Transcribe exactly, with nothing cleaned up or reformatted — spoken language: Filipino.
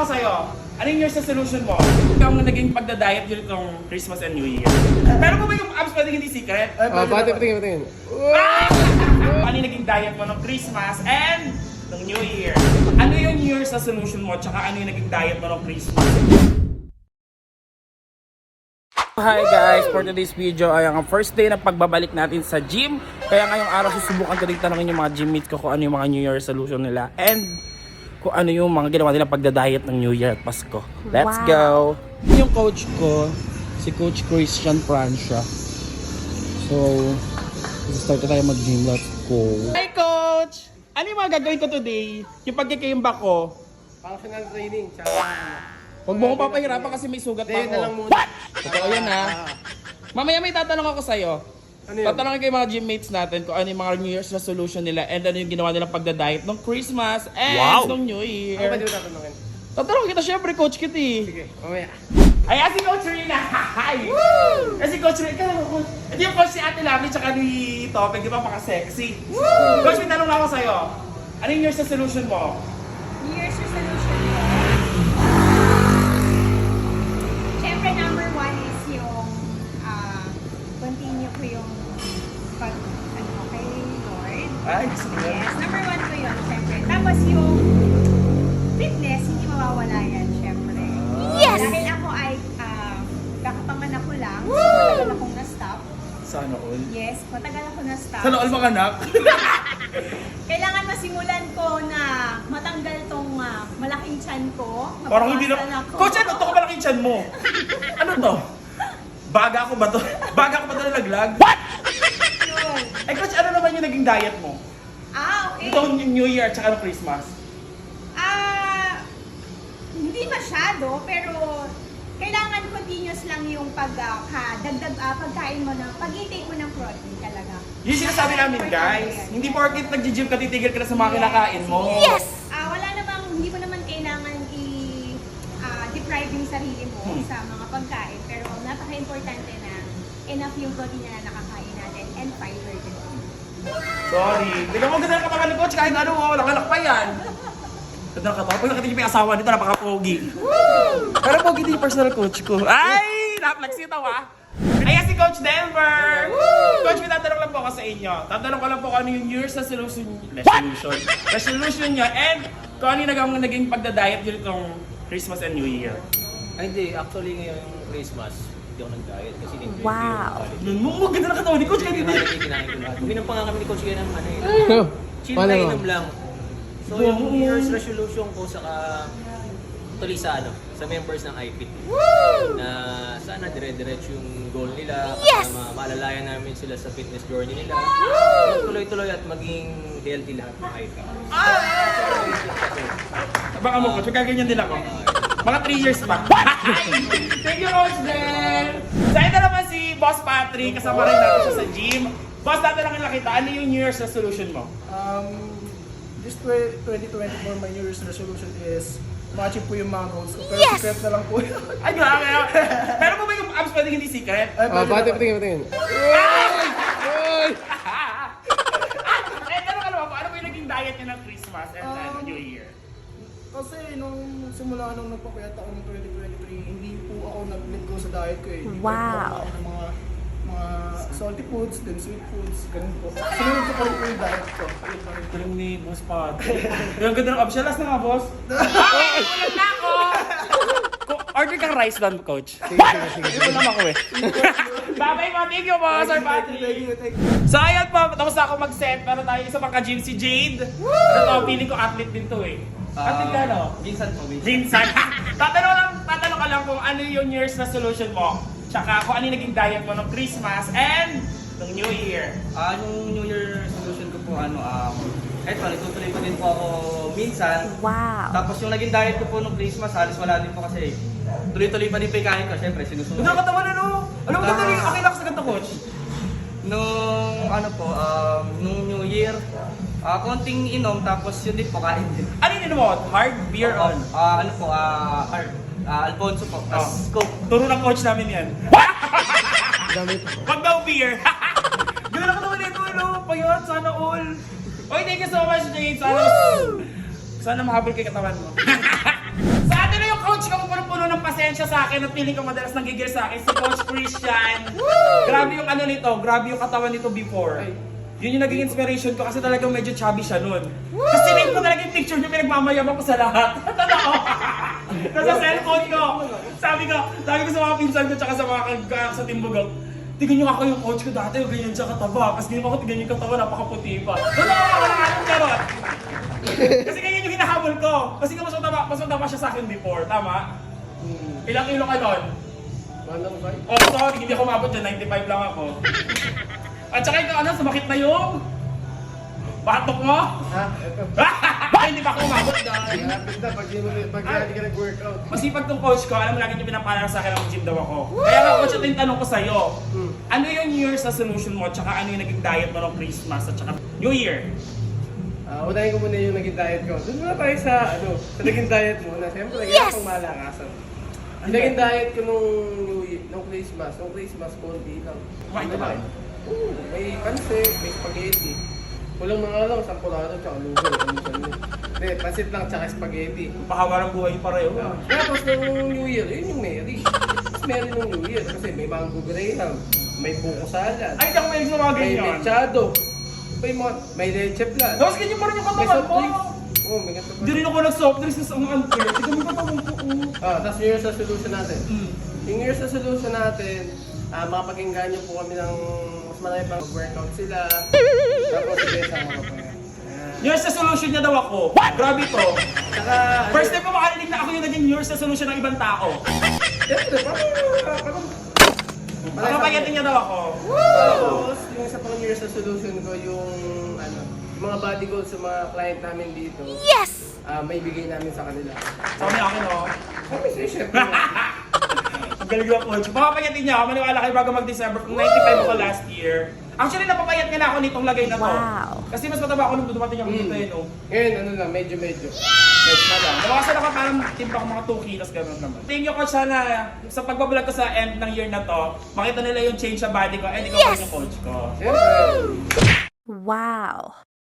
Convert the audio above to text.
ako sa'yo. Ano yung year's resolution mo? Ikaw ang naging pagda-diet yun itong Christmas and New Year. Pero kung ba yung abs pwedeng hindi secret? Oh, pati, patingin, patingin. Ano yung naging diet mo ng Christmas and ng New Year? Ano yung year's resolution mo? Tsaka ano yung naging diet mo ng Christmas? Hi guys! For today's video ay ang first day na pagbabalik natin sa gym. Kaya ngayong araw susubukan ko rin tanongin yung mga gym mates ko kung ano yung mga New Year resolution nila and kung ano yung mga ginawa nila pagda-diet ng New Year at Pasko. Let's Wow. go! Yung coach ko, si Coach Christian Francia. So, start na tayo mag-gym. Let's go! Hi Coach! Ano yung mga gagawin ko today? Yung pagkikimba ko? Functional training, tsaka... Huwag mo ko papahirapan kasi may sugat pa Hindi, ako. na lang muna. What? Totoo yan ha. Mamaya may tatanong ako sa'yo. Ano yun? Tatanungin ko yung mga gym mates natin kung ano yung mga New Year's resolution nila and ano yung ginawa nilang pagda-diet ng Christmas and Wow. ng New Ano ba Year. di mo tatanungin? Tatanungin kita syempre, Coach Kitty. Sige, mamaya. Ay, si Coach Rina. Hi! Kasi Coach Rina, ikaw naman, Coach. Ito yung Coach si Ate Lami tsaka ni Topeg, di ba? Maka-sexy. Coach, may tanong lang ako sa'yo. Ano yung Year's resolution mo? New Year's resolution ko. Siyempre, number one is yung ah, continue ko yung pag, ano, kay Lord. Ay, gusto ko yan. Yes, number one ko yun, siyempre. Tapos yung fitness, hindi mawawala yan, siyempre. Yes! Dahil ako ay uh, kakapanganak ko lang, so matagal akong na-stop. Sana all. Yes, matagal ako na-stop. Sana all mga anak. Kailangan masimulan ko na matanggal tong ah, malaking tiyan ko. Parang hindi na... mabawasan ako. Coach, ano to ka malaking tiyan mo? Ano to? Baga ako ba to? Baga ako ba to nalaglag? What? Yun. Eh, Coach, ano naman yung naging diet mo? Ah, okay. Ito yung New Year at saka ng Christmas. Ah, hindi masyado, pero kailangan continuous lang yung pag ah, ka- dagdag ah, pagkain mo na pag-intake mo ng protein talaga. Yung sinasabi namin, guys, hindi porket nag-gym ka, titigil ka na sa mga kinakain mo. Yes! Ah, wala namang hindi mo naman kailangan i ah, deprive yung sarili mo Hmm. sa mga pagkain, pero napaka-importante na enough yung protein na nakakain natin and fiber din. Sorry. Tignan mo ganda ng katawan ni Coach, kahit ano, oh, walang anak pa yan. Ganda ng katawan. Pag nakita niyo pa yung asawa nito, napaka-pogi. Pero pogi din yung personal coach ko. Ay! Naplex ito ah. Ayan si Coach Denver! Coach, may tatanong lang po ako sa inyo. Tatanong ko lang po kung ano yung year's resolution, resolution, resolution niya and kung ano yung naging, naging pagda-diet yun itong Christmas and New Year. Ay, hindi. Actually, ngayong Christmas, hindi ako nag-diet kasi in Wow. Yun mo, mo, ganda ng katawan ni Coach. Kaya Hindi dito. ko kinain ko lahat. Uminom pa nga kami ni Coach Ken ng ano eh. Chill Paano na mo? inom lang. So, yung New Year's resolution ko saka tuloy sa ano, sa members ng I P T. Na sana dire-diretso yung goal nila. Yes! Na ma- maalalayan namin sila sa fitness journey nila. Tuloy-tuloy at maging healthy lahat ng I P T. Baka mo, Coach, magkaganyan din ako. Mga three years pa. Thank you, Coach Den! Sa ito naman si Boss Patrick, kasama rin natin siya sa gym. Boss, tatanungin lang kita, ano yung New Year's resolution mo? Um, this twenty twenty-four, my New Year's resolution is ma-achieve po yung mga goals ko. Pero Yes! secret na lang po yun. Ay, grabe! Pero kung ba yung abs pwedeng hindi secret? Ay, Oh, pwede pati, naman. patingin, patingin. Eh, tanong ka naman po, ano ba yung naging diet niya ng Christmas and then Um, New Year? Kasi nung simula nung nagpapayat ako ng twenty twenty-three, hindi po ako nag-let go sa diet ko eh. Hindi po Wow. ako ng mga mga salty foods, then sweet foods, ganun po. Sinunod ko pa rin po yung diet ko. Yun pa rin. Galing ni Boss Patrick. Yung ganda ng abs siya, last na nga, Boss. Ay, ulit na ako! Ko- Order kang rice doon, Coach. Sige, sige, sige. Ito lang ako eh. Bye-bye po, thank you po, Sir Thank you, thank Patrick. you, thank you. So ayun po, tapos na ako mag-set. Pero tayo isa pang ka-gym, si Jade. Ano to, feeling ko athlete din to eh. Athlete ka, no? Minsan po, minsan. Jinsan. tatanong lang, tatanong ka lang kung ano yung year's resolution mo. Tsaka kung ano yung naging diet mo ng Christmas and ng New Year. Ah, yung New Year resolution ko po, ano, um, eto, nagtutuloy ko din po ako minsan. Wow. Tapos yung naging diet ko po nung Christmas, halos wala din po kasi tuloy-tuloy pa din po yung kain ko, syempre sinusunod. Ganda ka taman ano? Alam mo, ganda rin, okay lang sa ganda, Coach. Nung, ano po, um, nung New Year, ah, konting inom, tapos yun din po, kain din. Ano yun mo? Hard beer on? Ah, ano po, ah, hard. Ah, Alfonso po, tapos Coke. Turo ng coach namin yan. Dami po. Wag daw beer. Gawin ako naman ito, ano? Payot, sana all. Oy, thank you so much, Jade. Sana, sana mahabol kay katawan mo. Sa atin siya sa akin at feeling ko madalas nanggigil sa akin, si Coach Christian. Grabe yung ano nito, grabe yung katawan nito before. Yun yung naging inspiration ko kasi talagang medyo chubby siya nun. Kasi rin ko talaga yung picture niyo, pinagmamayabang ko sa lahat. Totoo. Nasa cellphone ko. Sabi ko, sabi ko sa mga pinsan ko tsaka sa mga kag- sa Timbugao, tignan niyo ako yung coach ko dati, yung ganyan siya kataba. Kasi ganyan ako, tignan niyo yung kataba, napakaputi pa. Totoo ako na anong charot. Kasi ganyan yung hinahabol ko. Kasi nga mas mataba, mas mataba siya sa akin before, tama? Ilang kilo ka nun? Manang ba? Oh, sorry, hindi ako mabot dyan, ninety-five lang ako. At saka ikaw ano, sumakit na yung batok mo? Ha? Ito. Ay, hindi pa ako umabot dyan. Malapit na pag di mo pag hindi ka nag-workout. Masipag tong coach ko, alam mo lagi niyo pinapaalala sa akin ang gym daw ako. Kaya nga coach, ito yung tanong ko sa'yo. Hmm. Ano yung New Year's resolution mo, tsaka ano yung naging diet mo ng Christmas, at tsaka New Year? Ah, unahin ko muna yung naging diet ko. Doon muna tayo sa ano, sa naging diet mo na siyempre yes! Pang malakasan. Yung naging diet ko nung New Year, nung Christmas, nung Christmas konti lang. Kumain ka ba? Oo, may pansit, may spaghetti. Kulang mga lang, sampurado, tsaka lugo. Ano sa yun? Hindi, pansit lang, tsaka spaghetti. Pahaba ng buhay pareho. Ah, Tapos nung New Year, yun yung Mary. Mas Mary nung New Year kasi may mango graham, may buko salad, Ay, hindi ako mahilig sa mga may ganyan. mechado, may, mga, may leche plan. Tapos ganyan pa rin yung May katawan soft mo. drinks. Oo, may ganito pa. Hindi rin ako nag-soft drinks sa ang unfair. Tignan mo yung katawan ko. oh. Ah, tapos New Year's resolution natin. Mm. Yung New Year's resolution natin, ah, makapag-enggan niyo po kami ng mas marami pang workout sila. Tapos sige, sama ko pa yan. Ah, New Year's resolution niya daw ako. Grabe to. Saka, First time ko makarinig na ako yung naging New Year's resolution ng ibang tao. Siyempre, parang, parang, Ano pa niya daw ako? Tapos, yung isa pang New Year's resolution ko, yung ano, mga body goals sa mga client namin dito. Yes! Ah, may bigay namin sa kanila. Sa kanya akin, oh. Kami sa syempre. Ang galing na coach. Papapayatin niya ako. Maniwala kayo bago mag-December. Kung ninety-five ako last year. Actually, napapayat nga na ako nitong lagay na to. Kasi mas mataba ako nung dumating ako dito, eh, no? Ngayon, ano lang, medyo-medyo. Yes, madam. Nawasan ako parang timpa ko mga two kilos, gano'n naman. Thank you, coach, sana sa pagbablog ko sa end ng year na to, makita nila yung change sa body ko, and ikaw pa rin yung coach ko. Siyempre. Wow.